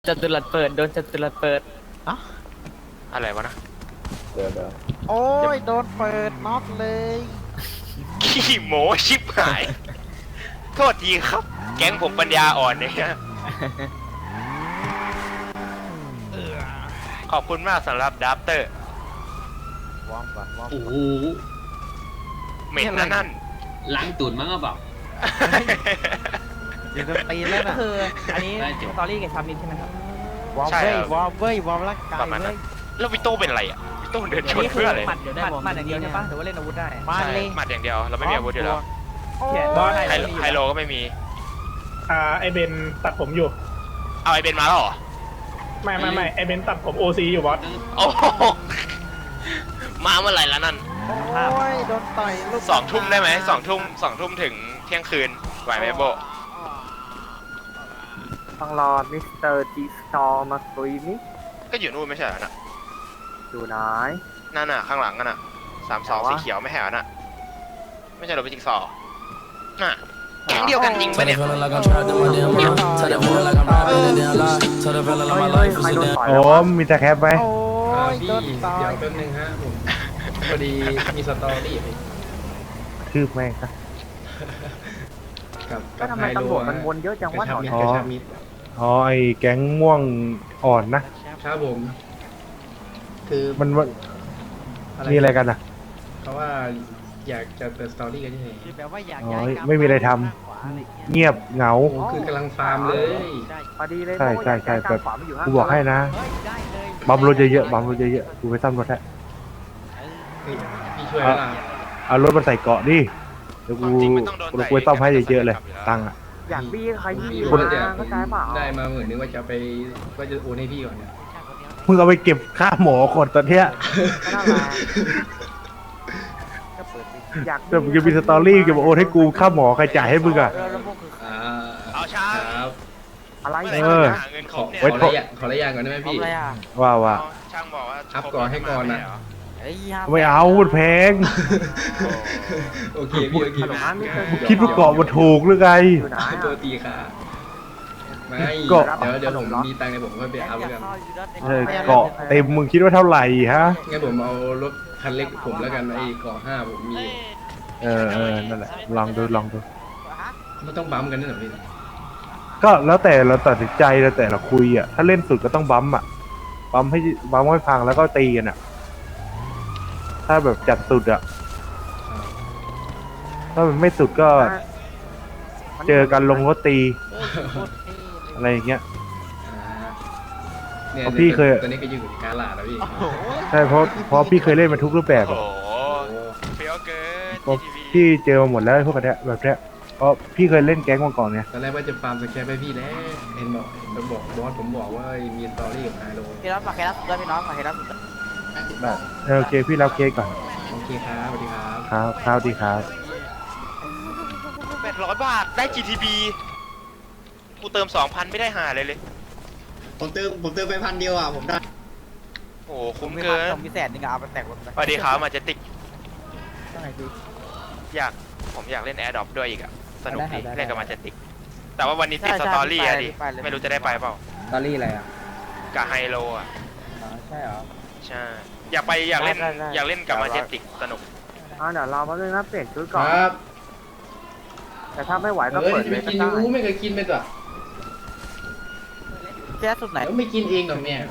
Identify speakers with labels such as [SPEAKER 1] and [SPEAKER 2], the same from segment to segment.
[SPEAKER 1] จัตุรัสเปิดโดนจัตุรัสเปิด
[SPEAKER 2] อะไรวะนะ
[SPEAKER 3] เดี๋ยว
[SPEAKER 4] โอ้ยโดนเปิดน็อกเลย
[SPEAKER 2] ขี้โมชิบหาย โทษทีครับ แก๊งผมปัญญาอ่อนเนี่ยขอบคุณมากสำหรับดับเตอร์
[SPEAKER 4] วอร์มก่อนวอร์ม
[SPEAKER 5] โอ้โห
[SPEAKER 2] เหม็นนะนั่น
[SPEAKER 5] ล้างตูดมั้งก็เปล่า
[SPEAKER 4] เดี๋ยวโดนตีนแล้ว
[SPEAKER 1] ก็
[SPEAKER 4] นะ
[SPEAKER 1] คืออันนี้
[SPEAKER 5] ได้จบ
[SPEAKER 1] สตอรี่กับชามินใช่ไหมครับ
[SPEAKER 4] วอร์ม
[SPEAKER 2] ใช่
[SPEAKER 4] เว้ย
[SPEAKER 2] ครับ
[SPEAKER 4] วอร์มเว้ยวอร์มร่างกาย
[SPEAKER 2] ประมาณนั้
[SPEAKER 4] เว้
[SPEAKER 2] น
[SPEAKER 4] ย
[SPEAKER 2] แล้ววิโต้เป็นอะไรอ่ะวิโต้เดินชน
[SPEAKER 1] นี่คื
[SPEAKER 2] เพื่ออะไร
[SPEAKER 1] หมัดหมัดอย่างเดียวใช่ปะหรือว่าเล่นอาวุธได้
[SPEAKER 4] มา
[SPEAKER 2] ใช่
[SPEAKER 4] เลย
[SPEAKER 2] หมัดอย่างเดียวเราไม่มีอาวุธอยู่แล้ว
[SPEAKER 4] โอ้ย
[SPEAKER 1] บอส
[SPEAKER 2] ไฮโลก็ไม่มี
[SPEAKER 6] ไอเบนตัดผมอยู่
[SPEAKER 2] เอาไอเบนมาแล้วเหรอ
[SPEAKER 6] ไม่ไอเบนตัดผมโอซีอยู่บอส
[SPEAKER 2] โอ้โหมาเมื่อไหร่แล้วนั่น
[SPEAKER 4] โอ้ยโดนต่อยลูก
[SPEAKER 2] 2 ทุ่มได้ไหม2 ทุ่มถึงเที่ยงคืนไหวไหมโบ
[SPEAKER 7] ต้องรอมิสเตอร์จีสตอร์มาคุยนี่
[SPEAKER 2] ก็อยู่นู่นไม่ใช่เหรอน่ะ
[SPEAKER 7] อยู่ไหน
[SPEAKER 2] นั่นน่ะข้างหลังกันน่ะ32สีเขียวไม่แห่น่ะไม่ใช่โรบิจิกซอว์น่ะแก๊งเดียวกันจริงปะเนี่ย
[SPEAKER 8] Feeling like I'm trapped in my damn mind. Tell that feeling like I'm rapping a damn lie. Tell the feeling like my life is a damn.
[SPEAKER 7] ต่อย
[SPEAKER 3] โอ้
[SPEAKER 7] แล้ววะ
[SPEAKER 3] มีแต่แคปไหม
[SPEAKER 4] โอ้ย
[SPEAKER 9] พี่
[SPEAKER 4] โดนต่อ
[SPEAKER 9] เดี๋ยวย แป๊บนึงฮะผมพอดีมีสตอรี่
[SPEAKER 3] คืบแม่งครับ
[SPEAKER 9] กับ
[SPEAKER 7] ก็ทำไมตำรวจมันวนเยอะจังวะ
[SPEAKER 9] กระชับมิตร
[SPEAKER 3] อ๋อ
[SPEAKER 9] กระชับมิตร
[SPEAKER 3] อ๋อไอ้แก๊งม่วงอ่อนนะ
[SPEAKER 9] ครับผม คือ
[SPEAKER 3] มันมีอะไรกันอ่ะ
[SPEAKER 9] เขาว่าอยากจะเปิดสตอรี่กันยังไง
[SPEAKER 4] คือแบบว่าอยาก
[SPEAKER 3] อ๋อ
[SPEAKER 4] ย้ายกลับ
[SPEAKER 3] ไม่มีอะไรทำ
[SPEAKER 4] ข้างขวาอะไรเงี้ย
[SPEAKER 3] เงียบเหงา
[SPEAKER 9] โอ้คือกำลังฟาร์มเลย
[SPEAKER 4] ได้
[SPEAKER 7] พอดีเลย
[SPEAKER 3] ใช่ใช่ใช่
[SPEAKER 7] เพราะว่าย้ายกลางขวามาอยู่ข้าง
[SPEAKER 3] กูบอกให้นะ
[SPEAKER 4] เฮ้ยได้เลย
[SPEAKER 3] บัมรถเยอะๆบัมรถเยอะๆกูไปซ่อมรถให้
[SPEAKER 9] พี่ช่วยแล้วล่ะ
[SPEAKER 3] เอารถมาใส่เกาะดิเดี๋ยวกู
[SPEAKER 2] จริงไม่ต้องโดน
[SPEAKER 3] กูไปซ่อมให้เยอะๆเลย ตังค์อ่ะ
[SPEAKER 7] อยากบี้ใครบี้
[SPEAKER 9] คน
[SPEAKER 7] มา
[SPEAKER 9] เดียว
[SPEAKER 7] เข้าใจเปล่า
[SPEAKER 9] ได้มา10,000นึงว่าจะไปว่าจะโอนให้พี่ก่อนเนี่ย
[SPEAKER 3] มึงเอาไปเก็บค่าหมอคนตอนเนี้ย
[SPEAKER 7] ก็นั่นแหละก็เปิดดิอยาก
[SPEAKER 3] แต่มึงจะมีสตอรี่เก็บโอนให้กูค่าหมอใครจ่ายให้มึงอ่ะ
[SPEAKER 4] แล้วพวกคือ
[SPEAKER 9] อ่า
[SPEAKER 2] เอาช้า
[SPEAKER 9] ครับ
[SPEAKER 7] อะไร
[SPEAKER 2] เมื่อไหร่
[SPEAKER 3] เออ
[SPEAKER 2] จะหาเงินค
[SPEAKER 9] ข
[SPEAKER 2] ร
[SPEAKER 9] อบ
[SPEAKER 2] เนี่ย
[SPEAKER 9] ขอระยะขอระยะก่อนได้ไหม
[SPEAKER 4] ทำ
[SPEAKER 9] พี่
[SPEAKER 4] อะไรอ่ะ
[SPEAKER 3] ว่า
[SPEAKER 2] เอาช่างบอกว่า
[SPEAKER 9] อัพก่อนให้ก่อนนะ
[SPEAKER 4] ไอ้ยา
[SPEAKER 3] ไม่เอามันแพง
[SPEAKER 9] โอเคพี่โอเค
[SPEAKER 7] ฮัลโหลมิสเตอร์
[SPEAKER 3] มึงคิดว่าเกาะมันถูกหรือไง
[SPEAKER 7] อยู่ไหน
[SPEAKER 9] ตัว
[SPEAKER 7] อะ
[SPEAKER 9] ตีค่ะไม่
[SPEAKER 3] เกาะ
[SPEAKER 9] เดี๋ยวผมมีตังค์ในผมก็ไปเอาแล้วกัน
[SPEAKER 3] เออเกาะเต็มมึงคิดว่าเท่าไหร่ฮะ
[SPEAKER 9] งั้นผมเอารถคันเล็กผมแล้วกันไอ้เกาะ5ผมมี
[SPEAKER 3] เออนั่นแหละลองดู
[SPEAKER 9] ไม่ต้องบัมป์กันนี่หรอพี่
[SPEAKER 3] ก็แล้วแต่เราตัดสินใจแล้วแต่เราคุยอ่ะถ้าเล่นสุดก็ต้องบัมป์อ่ะบัมป์ให้พังแล้วก็ตีกันอ่ะ ถ้าแบบจัดสุดอ่ะถ้ามันไม่สุดก็เจอกันลงรถตีอะไรอย่างเงี้ย
[SPEAKER 9] เนี่ย
[SPEAKER 3] เพราะพี่เคย
[SPEAKER 9] ตัวนี้ก็อยู่กาลาดแล้วพี่
[SPEAKER 3] ใช่เพราะพี่เคยเล่นมาทุกรูปแบบ
[SPEAKER 2] โอ้
[SPEAKER 3] อะ
[SPEAKER 2] โหเฟี้ยวเกิน
[SPEAKER 3] เพราะ
[SPEAKER 2] GTV
[SPEAKER 3] พี่เจอมาหมดแล้วพวกเนี้ยแบบเนี้ยเพราะพี่เคยเล่นแก๊งมาก่อนไง
[SPEAKER 9] ตอนแรกว่าจะฟาร์มสแครปให้พี่แล้วเห็นบอกบอสผมบอกว่ามีสตอรี่กับไฮโล
[SPEAKER 4] พี่รับฝากใครรับด้วยพี่น้องฝากใครรับ
[SPEAKER 3] โอเคพี่รับเคสก่อน
[SPEAKER 9] โอเคครับสวัสดีครับ
[SPEAKER 3] ครับดีครับ
[SPEAKER 2] 800 บาทได้ GTB กูเติม 2,000 ไม่ได้หาเลย
[SPEAKER 10] ผมเติมไป1,000 เดียวอ่ะ ผมได้
[SPEAKER 2] โอ้โห
[SPEAKER 4] ผ
[SPEAKER 2] คุ้
[SPEAKER 4] ม
[SPEAKER 2] ม
[SPEAKER 4] มี
[SPEAKER 2] เกิน
[SPEAKER 4] ผมมีแสนนึงเอาไปแตกรถไป
[SPEAKER 2] สวัสดีครับมาเจติก
[SPEAKER 4] ต้องไหนพี่
[SPEAKER 2] ผมอยากเล่น Air Drop ด้วยอีกอะสนุกดีเล่นกับมาเจติก แต่ว่าวันนี้ติดสตอรี่อะดิ ไม่รู้จะได้ไปเปล่า
[SPEAKER 4] สตอรี่อะไรอ่ะ
[SPEAKER 2] กับไฮโลอะ
[SPEAKER 4] ใช่เหรอ
[SPEAKER 2] ใช่ อยากเล่น
[SPEAKER 4] ได้
[SPEAKER 2] อยากเล่นกับมาเจติกสนุก
[SPEAKER 7] เดี๋ยวเราแป๊บนึงนะเปลี่ยนชุด
[SPEAKER 9] ค
[SPEAKER 7] ก่อน
[SPEAKER 9] รับ
[SPEAKER 7] แต่ถ้าไม่ไหวก็
[SPEAKER 9] เฮ้ย
[SPEAKER 7] เปิด
[SPEAKER 9] จะ
[SPEAKER 7] เล
[SPEAKER 9] ไป
[SPEAKER 7] ยก็
[SPEAKER 9] กิน
[SPEAKER 7] ได้
[SPEAKER 9] ยูไม่เคยกินไปตัว
[SPEAKER 4] แค่สุดไหน
[SPEAKER 9] เดี๋ยวไม่กินเองหรอกเนี่ย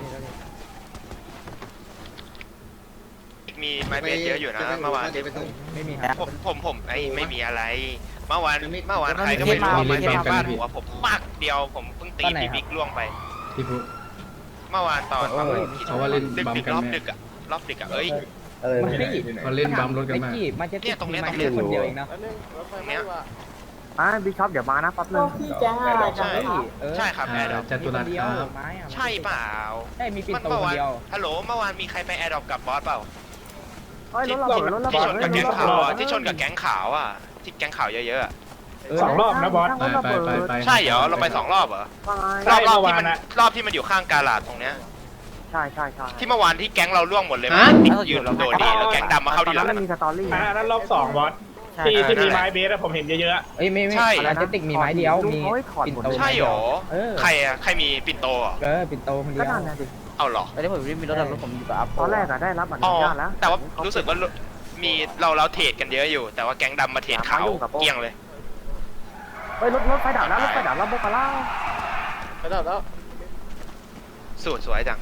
[SPEAKER 2] มีไม้เบสเยอะอยู่นะเมื่อวาน
[SPEAKER 4] ไม่มีครับ
[SPEAKER 2] ผมไม่มีอะไร เมื่อวานใครก็ไม่รู้เอาไม้เบสฟาดหัวผมปักเดียวผมเพิ่งตีพี่บิ๊กล่วงไป
[SPEAKER 9] พี่พุทธ
[SPEAKER 2] เมื่อวานตอนประมาณ
[SPEAKER 9] เขาว่าเล่นบัม
[SPEAKER 2] ดึก
[SPEAKER 9] กัน
[SPEAKER 2] รอบ
[SPEAKER 9] ไหม
[SPEAKER 2] ดึกอะรอบดึกอะเอ้ย
[SPEAKER 1] มันไม่หยิบ
[SPEAKER 9] เขาเล่นบัมรถกันมาก
[SPEAKER 2] เนี่ยตรงเนี้ย
[SPEAKER 1] คนเดียวเองนะ
[SPEAKER 2] ตรงเนี้ย
[SPEAKER 7] บิ๊กช็อปเดี๋ยวมานะแป๊บนึง
[SPEAKER 2] ใช่ใช่ครับแอร์ดรอป
[SPEAKER 9] จัตุรัสครับ
[SPEAKER 2] ใช่เปล่า
[SPEAKER 1] ใช่มีปิ่นโต
[SPEAKER 2] เมื่อ
[SPEAKER 1] คน
[SPEAKER 2] วาน
[SPEAKER 1] เดียว
[SPEAKER 2] ฮัลโหลเมื่อวานมีใครไปแอร์ดรอปกับบอสเปล่า
[SPEAKER 7] เฮ้ยรถระเบิดรถระ
[SPEAKER 2] ที่
[SPEAKER 7] เบิ
[SPEAKER 2] ช
[SPEAKER 7] ด
[SPEAKER 2] นกับแก๊งขาวอะที่ชนกับแก๊งขาวอะที่แก๊งขาวเยอะๆอะ
[SPEAKER 6] 2 รอบนะบอส
[SPEAKER 9] ไป
[SPEAKER 2] ใช่เหรอเราไป2 รอบเหรอ
[SPEAKER 7] ว่าไง
[SPEAKER 6] ใช่
[SPEAKER 2] รอบที่
[SPEAKER 6] เมื่อวา
[SPEAKER 2] มัน น
[SPEAKER 6] อะ
[SPEAKER 2] รอบที่มันอยู่ข้างกาลาดตรงเนี้ย
[SPEAKER 7] ใช่
[SPEAKER 2] ที่เมื่อวานที่แก๊งเราล่วงหมดเลยมันติดยืนโดดดีแล้วแก๊งดำมาเข้า
[SPEAKER 7] ตอ
[SPEAKER 2] ที
[SPEAKER 7] น
[SPEAKER 2] หลั
[SPEAKER 7] นั้น
[SPEAKER 2] ง
[SPEAKER 7] มันมีสตอรี่
[SPEAKER 6] อันนั้นรอบ 2 บอส
[SPEAKER 4] ใ
[SPEAKER 6] ที่มีไม้เบสอะผมเห็นเยอะๆอะ
[SPEAKER 4] เอ้ยไม่
[SPEAKER 2] ใช่
[SPEAKER 4] อาร์ติติกมีไม้เดียว
[SPEAKER 7] ลุง
[SPEAKER 4] มี
[SPEAKER 7] เขาให้ถอด
[SPEAKER 4] ปิ่น
[SPEAKER 7] หมด
[SPEAKER 4] โต
[SPEAKER 7] เลย
[SPEAKER 2] ใช่หรอ
[SPEAKER 4] เออ
[SPEAKER 2] ใครอะใครมีปิ่นโตเหรอ
[SPEAKER 4] ปิ่นโตคนเดี
[SPEAKER 7] ก็
[SPEAKER 4] ยว
[SPEAKER 7] นั่นนะดิ
[SPEAKER 2] เอาเหรอ
[SPEAKER 1] ตอนนี้ผมมีรถรถผมอยู่กับอัพ
[SPEAKER 7] ตอนแรกอะได้รับอ
[SPEAKER 2] อ๋
[SPEAKER 7] นุ
[SPEAKER 2] อ
[SPEAKER 7] ญาตแล้ว
[SPEAKER 2] แต่ว่ารู้สึกว่ามีเราเทรดกันเยอะอยู่ แต่ว่าแก๊งดำมาเทรดขาวเกลี้ยงเลย
[SPEAKER 7] เฮ้ยรถไฟดับแล้วรถไฟดับแล้วโบกาล่า
[SPEAKER 1] ไปแล้ว
[SPEAKER 2] สูตรสวยจัง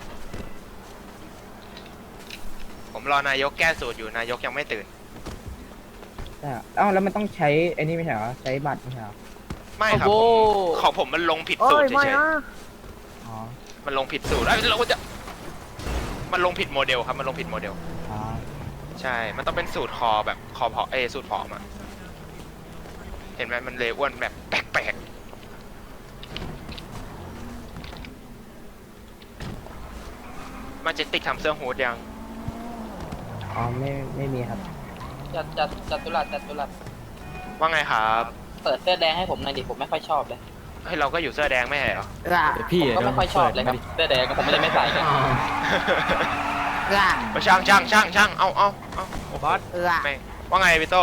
[SPEAKER 2] ผมรอนายกแก้สูตรอยู่นายกยังไม่ตื่น
[SPEAKER 4] เอ้าแล้วมันต้องใช้ไอ้นี่ไม่ใช่เหรอใช้บัตรไม่ใช่เหรอ
[SPEAKER 2] ไม่ครับผมของผมมันลงผิด
[SPEAKER 7] เอ้
[SPEAKER 2] สูต
[SPEAKER 7] ย
[SPEAKER 2] ร
[SPEAKER 7] ไม่
[SPEAKER 2] เฉย
[SPEAKER 7] นะ
[SPEAKER 4] อ๋อ
[SPEAKER 2] ๆมันลงผิดสูตรแล้วเราก็จะมันลงผิดโมเดลครับมันลงผิดโมเดล
[SPEAKER 4] อ๋อ
[SPEAKER 2] ใช่ มันต้องเป็นสูตรคอแบบคอพอสูตรผอมอะเห็นไหมมันเลยอ้วนแบบแปลกๆมาเจติกทำเสื้อฮูดยัง
[SPEAKER 4] อ๋อไม่มีครับ
[SPEAKER 1] จัตุรัส
[SPEAKER 2] ว่าไงครับ
[SPEAKER 1] เปิดเสื้อแดงให้ผมหน่อยดิผมไม่ค่อยชอบเลย
[SPEAKER 2] เฮ้ยเราก็อยู่เสื้อแดงไม่ใช่เหรอ
[SPEAKER 1] ผมก็ไม่ค่อยชอบเลยครับเสื้อแดงก็ผมไม่ได้ไม่ใส่กัน
[SPEAKER 2] ช่างเอา
[SPEAKER 1] บอส
[SPEAKER 2] แม่งว่าไงพี่โต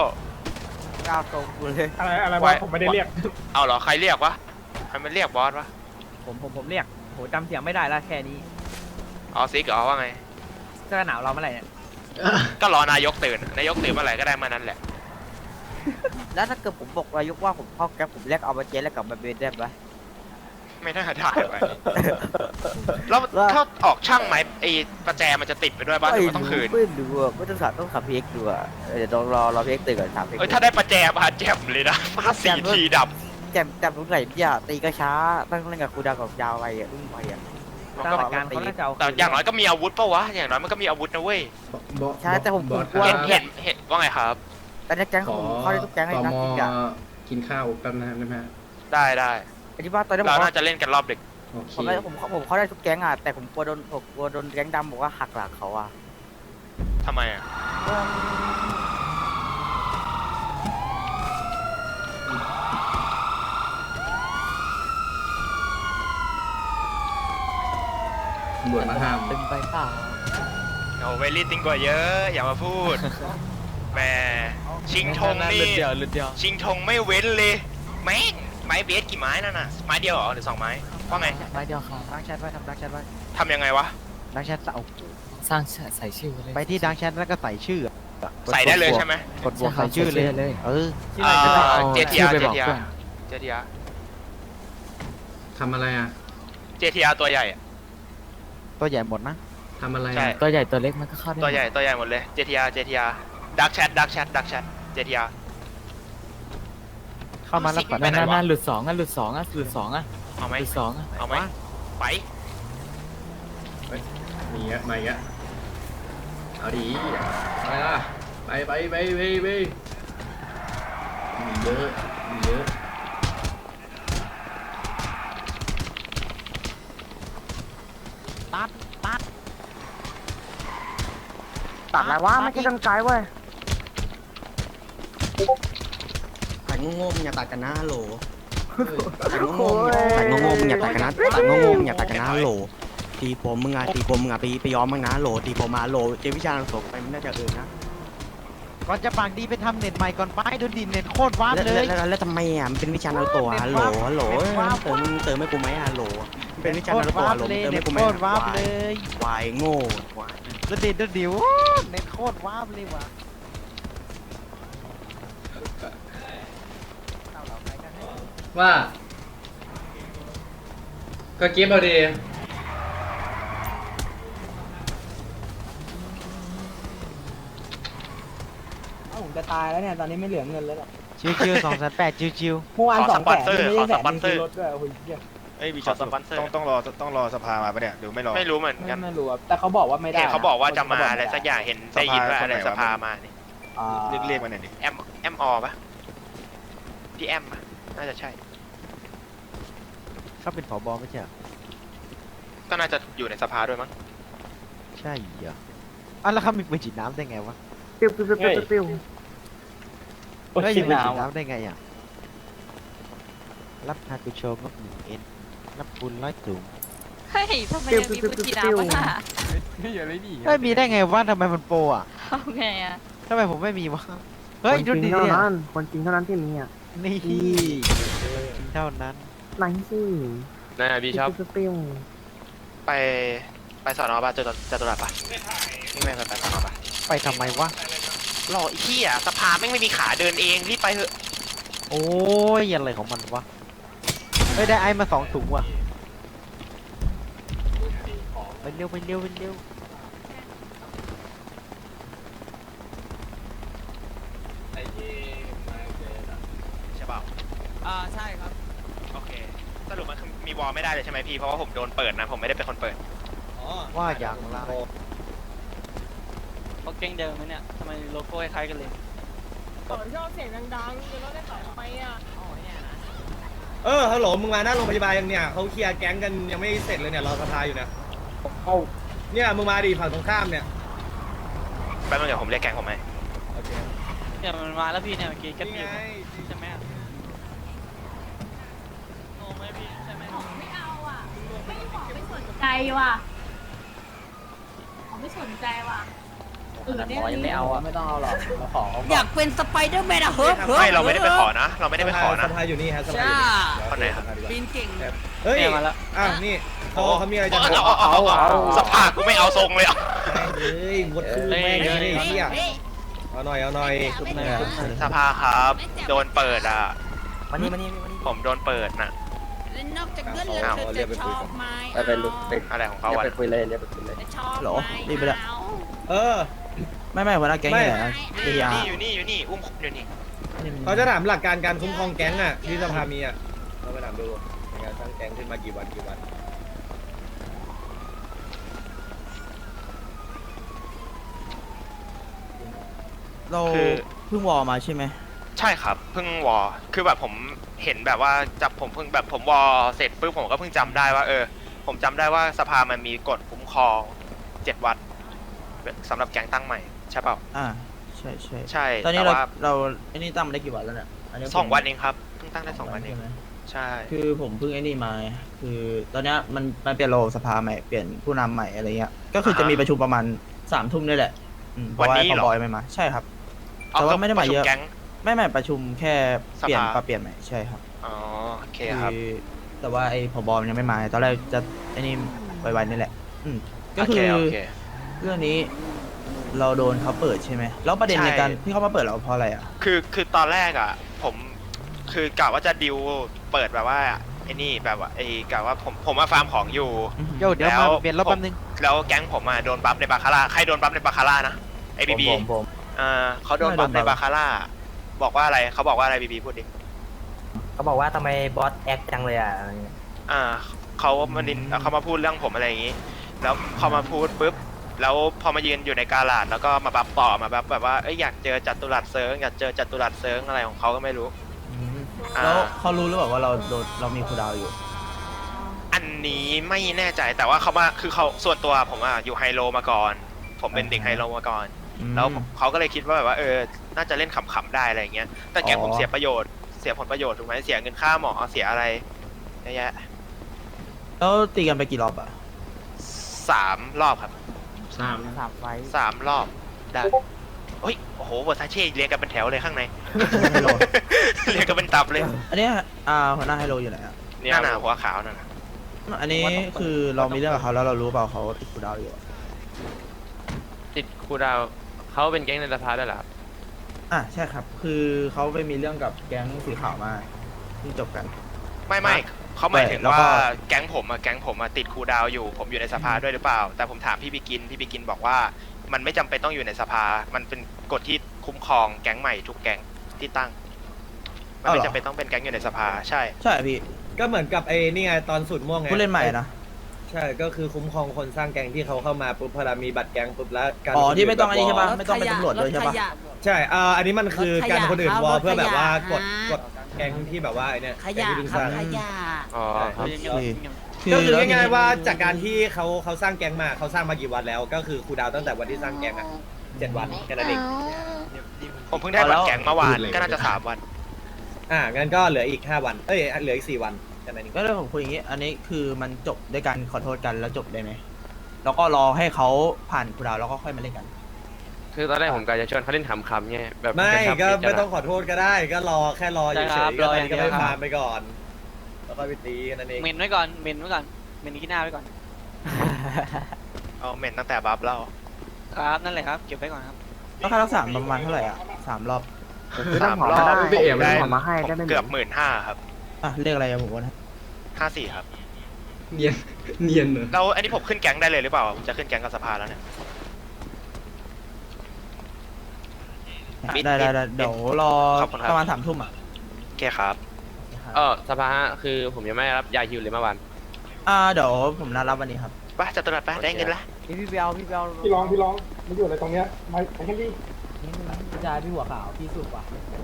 [SPEAKER 6] อะไรวะผมไม่ได้เรียก
[SPEAKER 2] เอาเหรอใครเรียกวะใครมันเรียกบอสวะ
[SPEAKER 1] ผมเรียกโหจำเสียงไม่ได้แล้วแค่นี้
[SPEAKER 2] เอาซิกเหรอว่าไง
[SPEAKER 1] เสื้อหนาวเราเมื่อไหร่เนี่ย
[SPEAKER 2] ก็รอนายกตื่นนายกตื่นเมื่อไหร่ก็ได้มานั้นแหละ
[SPEAKER 5] แล้วถ้าเกิดผมบอกนายกว่าผมเข้าแก๊ปผมเรียกเอามาเจนแล้วกลับมาเบนได้ไหม
[SPEAKER 2] ไม่น่าได้ไปแล้วถ้าออกช่างไหมไอ้ประแจมันจะติดไปด้วยบ้านหรือว่าต้องคืน
[SPEAKER 5] ไม่ดูอ่ะไม่ต้องถามพีเอ็กดูอ่ะเดี๋ยวต้องรอพีเอ็กตื่นก่อนถามพีเอ็ก
[SPEAKER 2] เอ้ยถ้าได้ประแจมาแจ่มเลยนะฟาด4 ทีดับ
[SPEAKER 5] แจมตรงไหนพี่อ่ะตีก็ช้าตั้งเล่นกับครูดาวกับยาวไปอ่ะอึ้งไปอ่ะ
[SPEAKER 1] ตามหลักการเขาน่าจะเอา
[SPEAKER 2] แต่อย่างน้อยก็มีอาวุธปะวะอย่างน้อยมันก็มีอาวุธนะเว้ย
[SPEAKER 5] ใช่แต่ผม
[SPEAKER 9] บอส
[SPEAKER 5] กลัว
[SPEAKER 2] เห็นว่าไงครับ
[SPEAKER 5] แต่ในแก๊งผมเข้าได้ทุกแก๊งเลยนะจริงอ่ะ
[SPEAKER 9] กินข้าวแป๊บนะครับได้ไหมฮะ
[SPEAKER 2] ได้
[SPEAKER 5] อธิบายตอนนี้ผ
[SPEAKER 2] เรา
[SPEAKER 5] ม
[SPEAKER 2] น่าจะเล่นกันรอบดึก
[SPEAKER 9] โอเค
[SPEAKER 5] ผมเข้าได้ทุกแก๊งอ่ะแต่ผมกลัวโดนแก๊งดำบอกว่าหักหลังเขาอ่ะ
[SPEAKER 2] ทำไมอ่ะ
[SPEAKER 9] ตำรวจมาห้าม
[SPEAKER 5] เป็นไปเปล่า
[SPEAKER 2] โอ้เวลี่ติงกว่าเยอะอย่ามาพูดแหมชิงธงนี่ชิงธงไม่เว้นเลยแม่งไม้เบสกี่ไม้นั่นน่ะไม้เดียวเหรอหรือ2 ไม้ว่าไง
[SPEAKER 5] ไม่เดียวครับดังแชทไว้ทำดังแชทไว้
[SPEAKER 2] ทำยังไงวะ
[SPEAKER 5] ดังแชทเอา
[SPEAKER 1] สร้างใส่ชื่อเลย
[SPEAKER 5] ไปที่ดังแชทแล้วก็ใส่ชื่อ
[SPEAKER 2] ใส่ได้เลยใช่ไหม
[SPEAKER 5] กดบวกใส่ชื่อเลยเออ
[SPEAKER 2] เจทีอาร์
[SPEAKER 9] ทำอะไรอ่ะ
[SPEAKER 2] ตัวใหญ่อะ
[SPEAKER 5] ตัวใหญ่หมดนะ
[SPEAKER 9] ทำอะไร
[SPEAKER 2] ใช่
[SPEAKER 9] อ่ะ
[SPEAKER 1] ตัวใหญ่ตัวเล็กมันก็เข้าได้
[SPEAKER 2] ตัวใหญ่หมดเลย JTRดักแชทJTR
[SPEAKER 5] เข้ามาแล้วปัด
[SPEAKER 2] ไปไหนวะ
[SPEAKER 1] หลุดสองอ่ะ
[SPEAKER 2] เอาไหม
[SPEAKER 1] หลุดสองอ่ะ
[SPEAKER 2] เอาไหมไป
[SPEAKER 9] มีอ่ะมาอีกอ่ะเอาดีไปล่ะไปมีเยอะ
[SPEAKER 7] ตัดอะไรวะไม่ใช่กันไกลเว้ย
[SPEAKER 10] แต่งงๆอย่าตัดกันนะฮัลโหล แต่ง
[SPEAKER 7] โอ้
[SPEAKER 10] งง
[SPEAKER 7] ย
[SPEAKER 10] ๆแต่งงๆอย่าตัดกันนะแต่งงๆอย่าตัดกันนะฮัลโหลตีผมมึงอ่ะไปยอมมึงนะฮัลโหลตีผมมาฮัลโหลเจวิชาลังสงไปมึงน่าจะนะ
[SPEAKER 5] ก่อนจะปากดีไปทำเน็ตใหม่ก่อนไปดูดิเน็ตโคตรว้าเลย
[SPEAKER 10] แล้วทำไมอ่ะมันเป็นวิชานารูโตะฮัลโหลเติมให้กูไหมฮัลโหลเป็นวิชานารูโตะฮัลโหลเติมให้กูไหม
[SPEAKER 5] โคตรว้าเลย
[SPEAKER 10] วายโง่วาย
[SPEAKER 5] แล้วเด็ดเดี๋ยวเน็ตโคตรว้าเลยว่ะ
[SPEAKER 9] ว่า ก็เก็บเอาดี
[SPEAKER 4] ผมจะตายแล้วเนี่ยตอนนี้ไม่เหลือเงินแล้วหรอก
[SPEAKER 5] ชิวๆ208ชิว
[SPEAKER 4] เมื่อวาน
[SPEAKER 2] ขอ
[SPEAKER 4] 200,000
[SPEAKER 2] สปอนเซอร์
[SPEAKER 4] ไม่
[SPEAKER 2] ขอ
[SPEAKER 4] ได้
[SPEAKER 2] สปอนเซอร์
[SPEAKER 4] รถด้วยโอ้ยเหี้ย
[SPEAKER 11] เอ้ยมี
[SPEAKER 2] ขอสปอนเซอร์
[SPEAKER 11] ต้องรอสภามาปะเนี่ยหรือไม่รอ
[SPEAKER 2] ไม่รู้เหมือนกัน
[SPEAKER 4] ไม่รู้อะแต่เขาบอกว่าไม่ได้
[SPEAKER 2] เห็นเขาบอกว่าจะมาอะไรสักอย่างเห็นได้ยินว่าอะไรสภามานี่
[SPEAKER 11] เรียกมาหน่อยดิ
[SPEAKER 2] แอมอปะพี่แอมปะน่าจะใช่
[SPEAKER 5] ๆเขาเป็นผบไม่ใช่เหรอ
[SPEAKER 2] ก็น่าจะอยู่ในสภาด้วยมั้ง
[SPEAKER 5] ใช่เหรออ่ะแล้วเขามีปืนฉีดน้ำได้ไงวะ
[SPEAKER 7] ปิ้วปิ้วปิ้วปิ้วปิ้ว
[SPEAKER 5] เฮ้ยมีปืนฉีดน้ำได้ไงอ่ะรับฮากุโชงบ1 N รับปูน100 ถุง
[SPEAKER 12] เฮ้ยทำไมยังมีบุญชีน้ำวะน่ะ
[SPEAKER 5] เฮ้ยมีได้ไงวะทำไมมันโปรอ่ะ
[SPEAKER 12] เอาไงอ่ะ
[SPEAKER 5] ทำไมผมไม่มีวะเฮ้ย
[SPEAKER 7] คน
[SPEAKER 5] ดู
[SPEAKER 7] จริง
[SPEAKER 5] ดิ
[SPEAKER 7] เท่า
[SPEAKER 5] เนี่ย
[SPEAKER 7] นั้นคนจริงเท่านั้นที่มีอ่ะ
[SPEAKER 5] นี่เท่านั้น
[SPEAKER 7] ไหนสิ
[SPEAKER 1] นะพี่ชอบ
[SPEAKER 7] ปิ้ว
[SPEAKER 2] ไปสอนอป่ะจตุรัสป่ะนี่แม่งไปสอนอป่ะ
[SPEAKER 5] ไปทำไมวะ
[SPEAKER 2] รอไอ้เหี้ยสภาแม่งไม่มีขาเดินเองรีบไปเถอะ
[SPEAKER 5] โอ้ยอะไรของมันวะเฮ้ยได้ไอ้มา2 ถุงว่ะไปเร็วไปเร็วไปเร็ว
[SPEAKER 2] ใช่เปล่า
[SPEAKER 10] ใช่ครับ
[SPEAKER 2] โอเคสรุปมันคือมีวอลไม่ได้เลยใช่ไหมพี่เพราะว่าผมโดนเปิดนะผมไม่ได้เป็นคนเปิด
[SPEAKER 5] ว่าอย่างไร
[SPEAKER 10] เขาเก่งเดิมไหมเนี่ยทำไมโลโก้คล้ายกันเลย
[SPEAKER 12] ชอบเสียงดังๆจะรถได้ต่อไปอ่ะ
[SPEAKER 6] ฮัลโหลมึงมาหน้าโรงพยาบาลยังเนี่ยเขาเคลียร์แก๊งกันยังไม่เสร็จเลยเนี่ยรอสภาอยู่เนี่ยเนี่ยมึงมาดิฝั่งตรงข้ามเนี่ย
[SPEAKER 2] แป๊บนึงเดี๋ยวผมเรียกแก๊งผมไหม
[SPEAKER 10] เนี่ยมันมาแล้วพี่เนี่ยเมื่อกี้ก็
[SPEAKER 6] นี่
[SPEAKER 10] ตี
[SPEAKER 6] ไง
[SPEAKER 10] ใช่ไหมโอ้ไม่พี่ใช่ไหม
[SPEAKER 12] ไม่เอาอ่ะไม่สนใจว่ะไม่สนใจว่ะเนี่ยยังไม่เอาอ่ะ
[SPEAKER 4] ไม่ต้องเอาหรอกเราขอ
[SPEAKER 12] อยากเป็นสไปเดอร์แมนอะเฮ้ย
[SPEAKER 2] ไม่เราไม่ได้ไปขอนะ เราไม่ได้ไปขอนะ
[SPEAKER 6] สภาอยู่นี่ฮะสภาอยู่นี่
[SPEAKER 2] คนไหนครับ
[SPEAKER 12] ปีนเก่ง
[SPEAKER 6] เฮ้ย
[SPEAKER 10] เนี่ยมาแล้ว
[SPEAKER 6] นี่เขามีอะไรจะ
[SPEAKER 2] เอาสภากูไม่เอาทรงเลยอ่ะ
[SPEAKER 6] เฮ้ยหมดคู่แม่งเลยเฮียเอาหน่อย
[SPEAKER 2] สภาครับโดนเปิดอ่ะ
[SPEAKER 5] มานี่
[SPEAKER 2] ผมโดนเปิดน่ะ
[SPEAKER 12] นอกจากเงินแล้วเธอจะชอบไหม
[SPEAKER 2] อะไรของเขาวะ
[SPEAKER 12] ชอบไหม
[SPEAKER 10] รีบไปละ ไม่หัวหน้าแก๊งอยู่ไหน
[SPEAKER 2] อยู่นี่อุ้มอยู่นี่
[SPEAKER 6] เขาจะถามหลักการการคุ้มครองแก๊งอ่ะที่สภามีอ่ะเราไปถามดูในการสร้างแก๊งขึ้นมากี่วัน
[SPEAKER 10] เราเพิ่งวอมาใช่ไหม
[SPEAKER 2] ใช่ครับเพิ่งวอคือแบบผมเห็นแบบว่าจับผมเพิ่งแบบผมวอเสร็จปุ๊บผมก็เพิ่งจำได้ว่าผมจำได้ว่าสภามันมีกฎคุ้มครอง7 วันสำหรับแก๊งตั้งใหม่ใช่เปล่า
[SPEAKER 10] ใช่ ตอนนี้เราไอ้นี่ตั้งมาได้กี่วันแล้วเนี่ย
[SPEAKER 2] 2 วันเองครับเพิ่งตั้งได้2 วันเองใช่
[SPEAKER 10] คือผมเพิ่งไอ้นี่มาคือตอนนี้มันเปลี่ยนระบบสภาใหม่เปลี่ยนผู้นำใหม่อะไรเงี้ยก็คือจะมีประชุมประมาณ3 ทุ่มนี่แหละเพราะว่าพอบอยไม่มาใช่ครับแต่ว่าไม่ได้มาเยอะไม่ประชุมแค่เปลี่ยนปรับเปลี่ยนใหม่ใช่ครับ
[SPEAKER 2] อ๋อโอเคครับ
[SPEAKER 10] แต่ว่าไอ้ผบยังไม่มาตอนแรกจะไอ้นี่ไวๆนี่แหละก็คือเรื่องนี้เราโดนเขาเปิดใช่ไหมแล้วประเด็นในการที่เขามาเปิดเราเพราะอะไรอ่ะ
[SPEAKER 2] คือตอนแรกอ่ะผมคือกะว่าจะดิวเปิดแบบว่าไอ้นี่แบบว่าไอ้กะว่าผมมาฟาร์มของอยู่
[SPEAKER 5] เดี๋ยวมาเปลี่ยนรถแป๊บนึง
[SPEAKER 2] แล้วแก๊งผมมาโดนบัฟในบาคาร่าใครโดนบัฟในบาคาร่านะไอ้บีบีเขาโดนบัฟในบาคาร่าบอกว่าอะไรเขาบอกว่าอะไรบีบีพูดดิ
[SPEAKER 5] เขาบอกว่าทำไมบอสแอคจังเลยอ่ะ
[SPEAKER 2] เขามาพูดเรื่องผมอะไรอย่างนี้ แล้วเขามาพูดปุ๊บแล้วพอมายืนอยู่ในกาลาดแล้วก็มาบัฟต่อมาบัฟแบบว่าอยากเจอจัตุรัสเซิร์งอยากเจอจัตุรัสเซิร์งอะไรของเขาก็ไม่รู้
[SPEAKER 10] แล้วเขารู้หรือเปล่าว่าเรามีคูดาวอยู่
[SPEAKER 2] อันนี้ไม่แน่ใจแต่ว่าเขามาคือเขาส่วนตัวผมอยู่ไฮโลมาก่อนผมเป็นเด็กไฮโลมาก่อนแล้วเขาก็เลยคิดว่าแบบว่าน่าจะเล่นขำๆได้อะไรอย่างเงี้ยแต่แกผมเสียประโยชน์เสียผลประโยชน์ถูกไหมเสียเงินค่าหมอเสียอะไรเยอะแยะ
[SPEAKER 10] แล้วตีกันไปกี่รอบอ่ะ
[SPEAKER 2] 3 รอบครับ
[SPEAKER 5] 3 ไฟ
[SPEAKER 2] 3 รอบได้โอ้โหเวอร์ซาเช่เรียงกันเป็นแถวเลยข้างใน เรียงกันเป็นตับเลย
[SPEAKER 10] อันนี้หัวหน้าไฮโลอยู่ไหนอ่ะ
[SPEAKER 2] นี่หน้าหัวขาวนั่น
[SPEAKER 10] อันนี้คือเรามีเรื่องกับเขาแล้วเรารู้เปล่าเขาติดคูดาวอยู่
[SPEAKER 1] ติดครูดาวเขาเป็นแก๊งในสภาด้วยเหรอครับ
[SPEAKER 10] ใช่ครับคือเขาไปมีเรื่องกับแก๊งสีขาวมาที่จบกัน
[SPEAKER 2] ไม่เขาหมายถึงว่าแก๊งผมติดครูดาวอยู่ผมอยู่ในสภาด้วยหรือเปล่าแต่ผมถามพี่บิกินบอกว่ามันไม่จำเป็นต้องอยู่ในสภามันเป็นกฎที่คุ้มครองแก๊งใหม่ทุกแก๊งที่ตั้งมันไม่จำเป็นต้องเป็นแก๊งอยู่ในสภาใช่
[SPEAKER 10] พี่
[SPEAKER 6] ก็เหมือนกับนี่ไงตอนสุดม่วงไง
[SPEAKER 10] ผู้เล่นใหม่นะ
[SPEAKER 6] ใช่ก็คือคุ้มครองคนสร้างแก๊งที่เขาเข้ามาปุ๊บพอมีบัตรแก๊งปุ๊บแล้วการ
[SPEAKER 10] ที่ไม่ต้องอันนี้ใช่ปะไม่ต้องเป็นตำรวจด้วยใช่ปะ
[SPEAKER 6] ใช่อันนี้มันคือการคนอื่นวอลเพื่อแบบว่ากดแก๊งที่แบบว่าเนี่ยแก๊งที่เพิ่งสร้าง
[SPEAKER 1] อ๋อครับ
[SPEAKER 6] ก็คือง่ายๆว่าจากการที่เขาสร้างแก๊งมาเขาสร้างมากี่วันแล้วก็คือครูดาวตั้งแต่วันที่สร้างแก๊ง7 วันแค่นั้นเอง
[SPEAKER 2] ผมเพิ่งได้บัตรแก๊งเมื่อวานก็น่าจะ3 วัน
[SPEAKER 6] งั้นก็เหลืออีก5 วันเหลืออีก4 วันแค่นั้นเอง
[SPEAKER 10] ก็เลยผมคุยอย่างนี้อันนี้คือมันจบด้วยการขอโทษกันแล้วจบได้ไหมแล้วก็รอให้เขาผ่านครูดาวแล้วก็ค่อยมาเล่นกัน
[SPEAKER 1] คือตอนแรกผมกะจะชวนเขาเล่นขำๆไงแบบ
[SPEAKER 6] ไม่
[SPEAKER 1] ระชับ
[SPEAKER 6] ก็
[SPEAKER 1] มิตร
[SPEAKER 6] ไม่
[SPEAKER 1] น
[SPEAKER 6] ต้องขอโทษก็ได้ก็รอแค่รอเฉยๆก็ตอนนี้ก็ไป
[SPEAKER 5] รออย่างเดียวครับ
[SPEAKER 6] ฟาร์มไปก่อนแล้วก็ไปตีกันนั่นเอง
[SPEAKER 5] เมนไว้ก่อนเมนไว้ก่อนเมนที่หน้าไว้ก่อน
[SPEAKER 2] เอาเหม็นตั้งแต่บัฟแล้ว
[SPEAKER 5] ครับนั่นแหละครับเก็บไว้ก่อนครับ
[SPEAKER 10] แล้วค่ารักษาประมาณเท่าไหร่อ่ะ3 รอบ
[SPEAKER 2] สามรอบ
[SPEAKER 9] พี่เอ๋ไม่
[SPEAKER 2] ได้
[SPEAKER 9] ได้
[SPEAKER 7] เอามาให้ได้ไหม
[SPEAKER 2] เกือบ15,000ครับ
[SPEAKER 10] อ่ะเรียกอะไรอะผมว่านะ
[SPEAKER 2] 54ครับ
[SPEAKER 9] เนียนเนียนเหรอ
[SPEAKER 2] แล้วอันนี้ผมขึ้นแก๊งได้เลยหรือเปล่าผมจะขึ้นแก๊งกับสภาแล้วเนี่ย บิด
[SPEAKER 10] ได้เดี๋ยวรอ
[SPEAKER 2] ขอบคุณครับ
[SPEAKER 10] ประมาณ3 ทุ่มอ่ะ
[SPEAKER 2] โอเคครับ
[SPEAKER 1] สภาฮะคือผมยังไม่ได้รับยาฮิวเลยเมื่อวาน
[SPEAKER 10] เดี๋ยวผมนัดรับวันนี้ครับ
[SPEAKER 2] ไปจัดตลาดไปได้เงินละ
[SPEAKER 5] พี่เบลพี่เบล
[SPEAKER 3] พี่ร้องมันอยู่อะไรตรงเนี้ยไปกันดิ
[SPEAKER 4] พี่ชายพี่หัวขาวพี่สุดว่ะ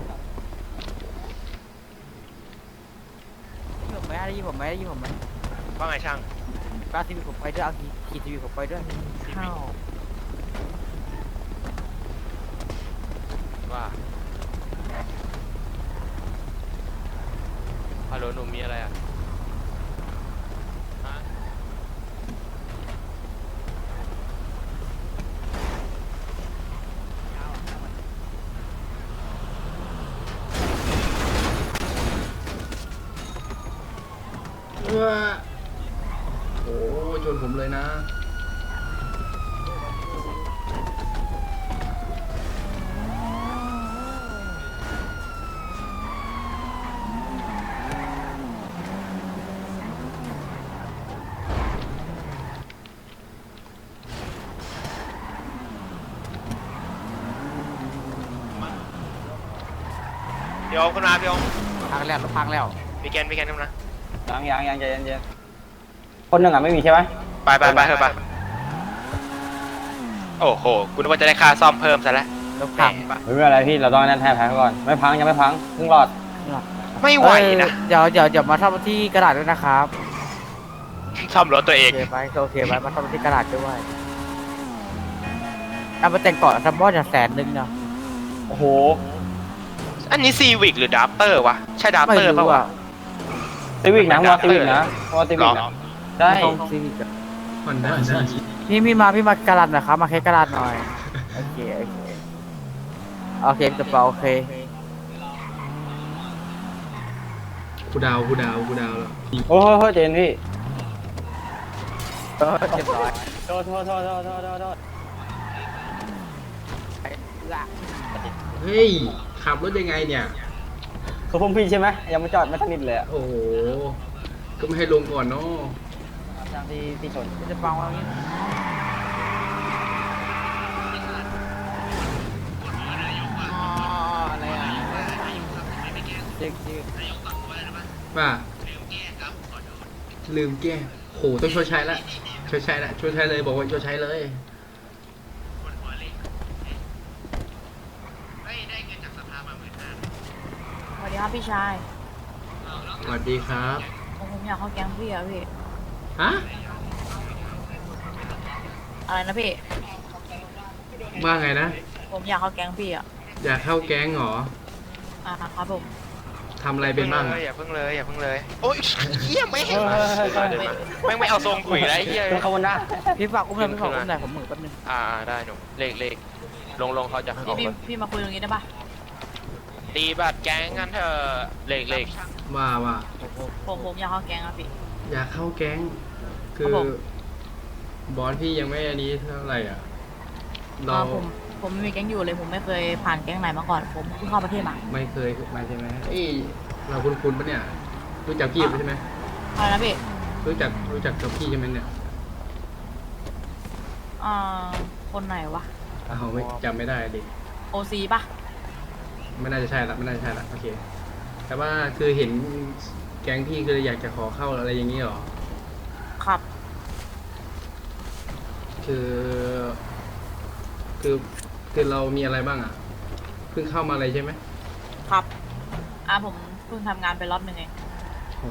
[SPEAKER 5] ผมไม่ได้ยินผมไหม
[SPEAKER 2] ว่าไงช่าง
[SPEAKER 5] กล้าทีวีผมไปด้วยเอาทีวีผมไปด้วยข้าว
[SPEAKER 1] ว่าฮัลโหลหนุ่มมีอะไรอ่ะฮะ
[SPEAKER 9] โอ้ชนผมเลยนะ
[SPEAKER 2] พี่โอมขึ้นมาพี่โอม
[SPEAKER 5] พังแล้วรถพังแล้ว
[SPEAKER 2] พี่แกนขึ้นมา
[SPEAKER 4] ยังใจเย็นๆคนหนึ่งอ่ะไม่มีใช่ไหม
[SPEAKER 2] ไปเถอะไปโอ้โหกูนึกว่าจะได้ค่าซ่อมเพิ่มซะแล้ว
[SPEAKER 5] รถพัง
[SPEAKER 4] ไม่เป็นไรพี่เราต้องนั่นแทนแพ้ก่อนไม่พังยังไม่พังเพิ่งรอด
[SPEAKER 2] ไม่ไหวนะ
[SPEAKER 5] เดี๋ยวมาทำที่กระดาษด้วยนะครับ
[SPEAKER 2] ซ่อมรถตัวเอ
[SPEAKER 5] โอง เคไปโอเคไปมาทำที่กระดาษด้วยเอามาแต่งก่อนทำบอสอย่าง100,000เนาะ
[SPEAKER 4] โอ้โห
[SPEAKER 2] อันนี้ซีวิกหรือดับเตอร์วะใช่ดับ
[SPEAKER 5] ไม่
[SPEAKER 2] เตอร์
[SPEAKER 5] รู้
[SPEAKER 2] ป่าวะ
[SPEAKER 5] อ่ะ
[SPEAKER 4] ซีวิกนะว่าซีวิกนะว่าซีวิกนะใช่
[SPEAKER 5] ต้องซีวิกอะ
[SPEAKER 9] มันได้
[SPEAKER 5] พี่มากระดาษหน่อยครับมาแค่กระดาษหน่อยโอเคจะเปล่าโอเค
[SPEAKER 9] กูดาวแล้ว
[SPEAKER 4] โอ้โหเจนพี่
[SPEAKER 5] เรียบร้อย
[SPEAKER 4] โทษ
[SPEAKER 9] เฮ้ยขับรถยังไงเนี่ย
[SPEAKER 4] คือพวกพี่ใช่ไหมยังไม่จอดไม่สนิทเลยอ่ะ
[SPEAKER 9] โอ้โหก็ไม่ให้ลงก่อนเนาะ
[SPEAKER 4] ที่ชน
[SPEAKER 5] จะเปล่าว่างี้ อะไรอ่ะเจ๊ก
[SPEAKER 9] ว่าลืมแก้โหต้องชดใช้ละชดใช้เลยบอกว่าชดใช้เลย
[SPEAKER 12] สวัสดีครับพี่ชาย
[SPEAKER 9] สวัสดีครับ
[SPEAKER 12] ผมอยากเข้าแก๊งพี่อะพี่
[SPEAKER 9] ฮะ
[SPEAKER 12] อะไรนะพี่
[SPEAKER 9] ว่าไงนะ
[SPEAKER 12] ผมอยากเข้าแก๊งพี่อะ
[SPEAKER 9] อยากเข้าแก๊งเหรอ
[SPEAKER 12] ครับผม
[SPEAKER 9] ทำอะไรเป็นบ้างอะ
[SPEAKER 2] อย่าเพิ่งเลยโอ้ยเหี้ยไม่เห็นไม่เอาทรงกุยไรเหี้ย
[SPEAKER 4] เป็นขบวนหน้า
[SPEAKER 5] พี่ฝากอุ้มหน่อยผมหมึกแป๊บนึง
[SPEAKER 1] ได้หนุ่มเลขลงเขาจะออก
[SPEAKER 12] พี่มาคุยตรงนี้ได้ปะ
[SPEAKER 1] ตีบัตรแก๊งกันเถอะเลข
[SPEAKER 9] ว่า
[SPEAKER 12] ผมอยากเข้าแก๊งอะพี่
[SPEAKER 9] อยากเข้าแก๊ง คือบอสพี่ยังไม่อันนี้เท่าไหร่อ่ะเรา
[SPEAKER 12] ผมไม่มีแก๊งอยู่เลยผมไม่เคยผ่านแก๊งไหนมาก่อนผมเพิ่งเข้าประเทศมา
[SPEAKER 9] ไม่เคยมาใช่ไหมเอ้ยเราคุ้นๆปะเนี่ย รู้จักพี่ใช่ไหม
[SPEAKER 12] อะไรนะพี่
[SPEAKER 9] รู้จักกับพี่ใช่ไหมเนี่ย
[SPEAKER 12] คนไหนวะ
[SPEAKER 9] เขาไม่จำไม่ได้ดิ
[SPEAKER 12] โอซีปะ
[SPEAKER 9] ไม่น่าจะใช่ละโอเค แต่ว่าคือเห็นแก๊งพี่คืออยากจะขอเข้าอะไรอย่างนี้หรอ
[SPEAKER 12] ครับ
[SPEAKER 9] คือเรามีอะไรบ้างอ่ะ เพิ่งเข้ามาเลยใช่ไหม
[SPEAKER 12] ครับผมเพิ่งทำงานไปรอบหนึ่งเอง
[SPEAKER 9] โอ้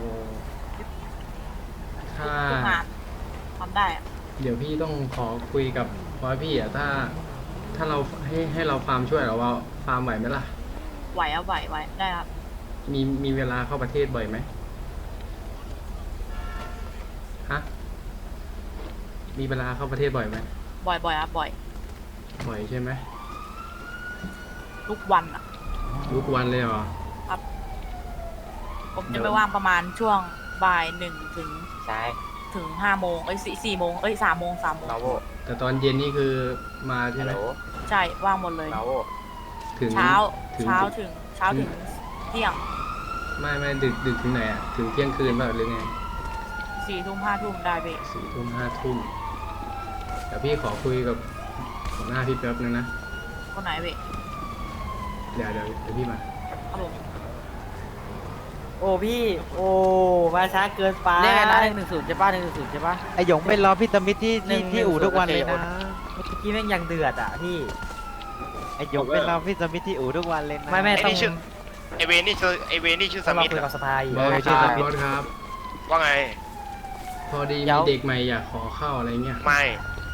[SPEAKER 9] ถ้า
[SPEAKER 12] เพิ่งผ่านทำได้อะ
[SPEAKER 9] เดี๋ยวพี่ต้องขอคุยกับบอยพี่อ่ะถ้าเราให้เราฟาร์มช่วยเราว่าฟาร์มไหวไหมล่ะ
[SPEAKER 12] ไหวได้ครับ
[SPEAKER 9] มีเวลาเข้าประเทศบ่อยไหมฮะมีเวลาเข้าประเทศบ่อยไหม
[SPEAKER 12] บ่อยครับบ่อย
[SPEAKER 9] บ่อยใช่ไหม
[SPEAKER 13] ทุกวันอ่ะ
[SPEAKER 9] ทุกวันเลยเหรอ
[SPEAKER 13] ผมจะไปว่างประมาณช่วงบ่าย1 ถึง
[SPEAKER 5] ใช่
[SPEAKER 13] ถึง5 โมง4 โมง3 โมง
[SPEAKER 5] เราโว
[SPEAKER 9] แต่ตอนเย็นนี่คือมาใช่
[SPEAKER 5] ฮัล
[SPEAKER 9] ไห
[SPEAKER 5] โห
[SPEAKER 9] ม
[SPEAKER 5] ล
[SPEAKER 13] ใช่ว่างหมดเลย
[SPEAKER 5] เราโว
[SPEAKER 9] ถึง
[SPEAKER 13] เช้า
[SPEAKER 9] ถึง
[SPEAKER 13] ถึงเที่ยง
[SPEAKER 9] ไม่ดึกถึงไหนอ่ะถึงเที่ยงคืนป่ะหรือไง
[SPEAKER 13] 4 ทุ่ม 5 ทุ่มได้เว้ย
[SPEAKER 9] 4 ทุ่ม 5 ทุ่มเดี๋ยวพี่ขอคุยกับหัวหน้าพี่แป๊บนึงนะ
[SPEAKER 13] คนไหนเว้ย
[SPEAKER 9] เดี๋ยวพี่มา
[SPEAKER 13] ครับผม
[SPEAKER 5] โอ้พี่โอ้มาช้าเกินไปเรียกไงนะ110ใช่ป่ะ110ใช่ป่ะไอหยงเป็นรอพี่ตมิตรที่อู่ทุกวันเลยนะเมื่อกี้แม่งยังเดือดอ่ะพี่ไอหยงเป็นรอพี่ตมิตรที่อู่ทุกวันเลยนะไม่ต้องไอเวนี่ชื่อสมิธเหรอ
[SPEAKER 9] บอสครับบอสครับ
[SPEAKER 2] ว่าไง
[SPEAKER 9] พอดีมีเด็กใหม่อยากขอเข้าอะไรเงี้ย
[SPEAKER 2] ไม่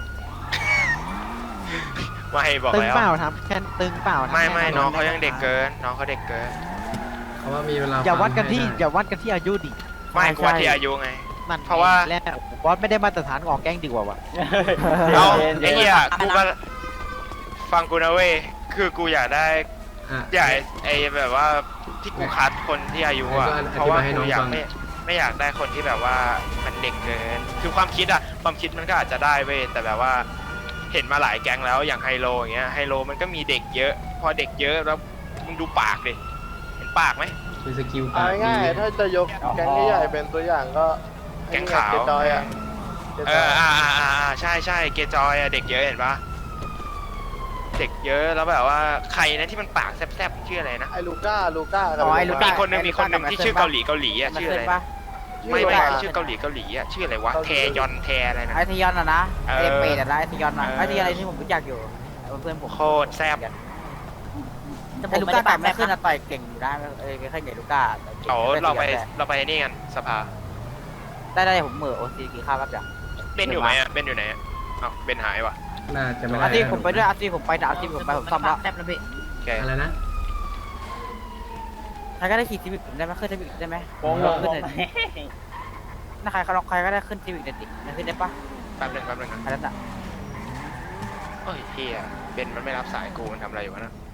[SPEAKER 2] บอก
[SPEAKER 5] ตึง
[SPEAKER 2] แล้ว
[SPEAKER 5] เปล่าทำแค่ตึงเปล่า
[SPEAKER 2] ไม่น้องเขายังเด็กเกินน้องเขาเด็กเกิน
[SPEAKER 9] เขาว่ามีเวลา
[SPEAKER 5] อย่าวัดกันที่
[SPEAKER 9] ฟังให้
[SPEAKER 5] อย่าวัดกันที่อายุดิ
[SPEAKER 2] ไม่กว่าที่อายุไง
[SPEAKER 5] นั่น
[SPEAKER 2] เพราะว่า
[SPEAKER 5] แล้วบอสไม่ได้มาตรฐานออกแก๊งดีกว่าวะ
[SPEAKER 2] เอาไอ้เหี้ยกูมาฟังกูนะเว้ยคือกูอยากได้
[SPEAKER 9] อ่ะ
[SPEAKER 2] อยากไอ้แบบว่าที่กูคัดคนที่อายุอ่ะ
[SPEAKER 9] ให้ก็
[SPEAKER 2] เพราะว่า
[SPEAKER 9] อธิบายให้น้
[SPEAKER 2] กู
[SPEAKER 9] อง
[SPEAKER 2] อยาก
[SPEAKER 9] ฟัง
[SPEAKER 2] ไม่อยากได้คนที่แบบว่ามันเด็กเกิน คือความคิดมันก็อาจจะได้เว้ยแต่แบบว่าเห็นมาหลายแก๊งแล้วอย่างไฮโลอย่างเงี้ยไฮโลมันก็มีเด็กเยอะ พอเด็กเยอะแล้วมึงดูปากดิเห็นปากไหม
[SPEAKER 9] คือสกิลปากดี
[SPEAKER 14] ถ้าจะยกแก๊งใหญ่ๆเป็นตัวอย่างก็
[SPEAKER 2] แก๊งขาว
[SPEAKER 14] เกจอยอ่ะ
[SPEAKER 2] ใช่เกจอยอะเด็กเยอะเห็นปะเด็กเยอะแล้วแบบว่าใครนะที่มันปากแซบๆชื่ออะไรนะ
[SPEAKER 14] ไอ้ลูก้ากับ
[SPEAKER 5] อ๋อไอ้ลูก้า
[SPEAKER 2] มีคนหนึ่งที่ชื่อเกาหลีอ่ะชื่ออะไรนะไม่ที่ชื่อเกาหลีอ่ะชื่ออะไรวะแทยอนแทอะไรนะ
[SPEAKER 5] ไอทยอนอ่ะนะไอเป็ดอ่ะนะไอทยอนอ่ะไอทยอนอะไรที่ผมรู้จักอยู่เพื่อนผม
[SPEAKER 2] โคตรแซบ
[SPEAKER 5] ไอลูก้าต่อยไม่ขึ้นนะต่อยเก่งอยู่นะไม่ค่อยเก่งลูก้า
[SPEAKER 2] เราไปนี่กันสภา
[SPEAKER 5] ได้ผมเหม่อโอซีกี่ข้าวครับจ้ะ
[SPEAKER 2] เบนอยู่ไหมเบนอยู่ไหนเบนหายวะ
[SPEAKER 9] น่าจะไม่
[SPEAKER 5] อา
[SPEAKER 9] ได้
[SPEAKER 5] ทิตย์ผมไปด้วยอาทิตย์ผมไปอาทิตย์ผมไปผมซ่อมแล้ว
[SPEAKER 13] แซ่บนะพี่
[SPEAKER 2] แก
[SPEAKER 9] อะไรนะ
[SPEAKER 5] ใครก็ได้ขี่ทีวิกได้ไหมขึ้นทีวิกได้ไหมขึ้นเลยถ้าใครก็ได้ขึ้นทีวิกเด็ดดิขึ้นได้ปะ
[SPEAKER 2] แป๊บนึง
[SPEAKER 5] ใครนั่นอ่ะ
[SPEAKER 2] โอ้ยเฮียเบนมันไม่รับสายกูมันทำอะไรอยู่วะนะ